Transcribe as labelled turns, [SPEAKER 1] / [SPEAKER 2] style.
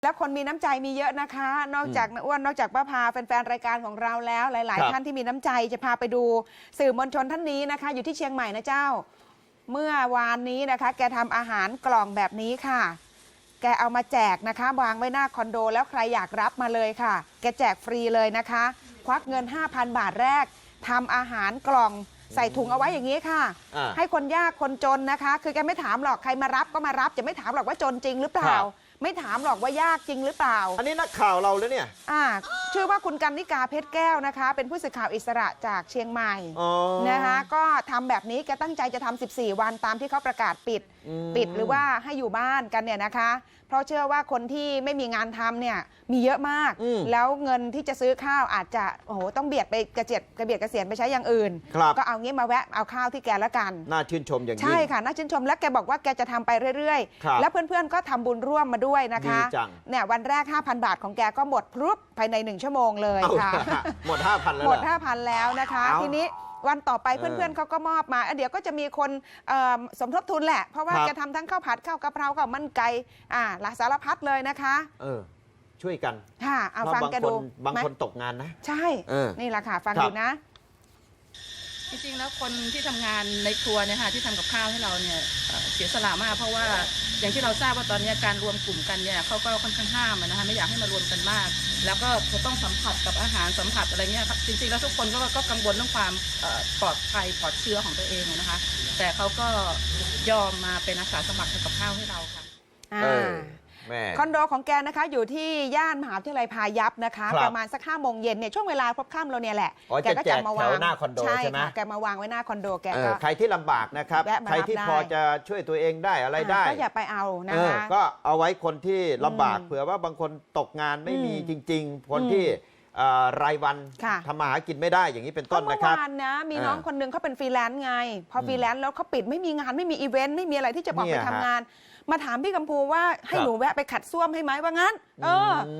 [SPEAKER 1] แล้วคนมีน้ำใจมีเยอะนะคะ นอกจากอ้วนนอกจากป้าพาแฟนๆรายการของเราแล้วหลายๆท่านที่มีน้ำใจจะพาไปดูสื่อมวลชนท่านนี้นะคะอยู่ที่เชียงใหม่นะเจ้าเมื่อวานนี้นะคะแกทำอาหารกล่องแบบนี้ค่ะแกเอามาแจกนะคะวางไว้หน้าคอนโดแล้วใครอยากรับมาเลยค่ะแกแจกฟรีเลยนะคะควักเงิน 5,000 บาทแรกทำอาหารกล่องใส่ถุงเอาไว้อย่างนี้ค่ะให้คนยากคนจนนะคะคือแกไม่ถามหรอกใครมารับก็มารับจะไม่ถามหรอกว่าจนจริงหรือเปล่าไม่ถามหรอกว่ายากจริงหรือเปล่า
[SPEAKER 2] อันนี้นักข่าวเราแล้วเนี่ย
[SPEAKER 1] ชื่อว่าคุณกันนิกาเพชรแก้วนะคะเป็นผู้สื่อข่าวอิสระจากเชียงใหม่นะคะก็ทำแบบนี้แกตั้งใจจะทำ14 วันตามที่เขาประกาศปิดหรือว่าให้อยู่บ้านกันเนี่ยนะคะเพราะเชื่อว่าคนที่ไม่มีงานทำเนี่ยมีเยอะมากแล้วเงินที่จะซื้อข้าวอาจจะต้องเบียดไปกระเบียดเกษียณไปใช้อย่างอื่นก็เอางี้มาแวะเอาข้าวที่แกละกัน
[SPEAKER 2] น่าชื่นชมอย่างยิ่ง
[SPEAKER 1] ใช่ค่ะน่าชื่นชมและแกบอกว่าแกจะทำไปเรื่อยๆแล้วเพื่อนๆก็ทำบุญร่วมมาด้วยนะคะเนี่ยวันแรก 5,000 บาทของแกก็หมดพรุบภายใน1 ชั่วโมงเลยค่ะ
[SPEAKER 2] หมด 5,000 แล้ว
[SPEAKER 1] หมด 5,000 แล้วนะคะทีนี้วันต่อไปเพื่อนๆเขาก็มอบมาเดี๋ยวก็จะมีคนสมทบทุนแหละเพราะว่าจะทำทั้งข้าวผัดข้าวกะเพราข้าวมันไก่หลายสารพัดเลยนะคะ
[SPEAKER 2] ช่วยกัน
[SPEAKER 1] ค่ะเอาฟังแกดู
[SPEAKER 2] บางคนตกงานนะ
[SPEAKER 1] ใช่นี่แหละค่ะฟังดูนะ
[SPEAKER 3] จริงๆแล้วคนที่ทำงานในครัวเนี่ยค่ะที่ทำกับข้าวให้เราเนี่ยเสียสละมากเพราะว่าอย่างที่เราทราบว่าตอนนี้การรวมกลุ่มกันเนี่ยเขาก็ค่อนข้างห้ามนะคะไม่อยากให้มารวมกันมากแล้วก็จะต้องสัมผัสกับอาหารสัมผัสอะไรเงี้ยครับจริงๆแล้วทุกคนก็กังวลเรื่องความปลอดภัยปลอดเชื้อของตัวเองนะคะแต่เขาก็ยอมมาเป็นอาสาสมัครทำกับข้าวให้เราค่ะ
[SPEAKER 1] คอนโดของแกนะคะอยู่ที่ย่านมหาวิทยาลัยพายัพนะคะประมาณสัก5 โมงเย็นเนี่ยช่วงเวลาพบค่ำเราเนี่ยแหละ
[SPEAKER 2] แกก็จะมาวาง
[SPEAKER 1] หน้าคอนโดใช่ไหมแกมาวางไว้หน้าคอนโดแกก็
[SPEAKER 2] ใครที่ลำบากนะครับใครที่พอจะช่วยตัวเองได้อะไรได้
[SPEAKER 1] ก็อย่าไปเอานะคะ
[SPEAKER 2] ก็เอาไว้คนที่ลำบากเผื่อว่าบางคนตกงานไม่มีจริงๆคนที่รายวันทำมาหากินไม่ได้อย่างนี้เป็นต้นนะครับ
[SPEAKER 1] เมื่อวานนะมีน้องคนนึงเขาเป็นฟรีแลนซ์ไงพอฟรีแลนซ์แล้วเขาปิดไม่มีงานไม่มีอีเวนต์ไม่มีอะไรที่จะบอกไปทำงานมาถามพี่กัมพูว่าให้หนูแวะไปขัดส้วมให้ไหมว่างั้น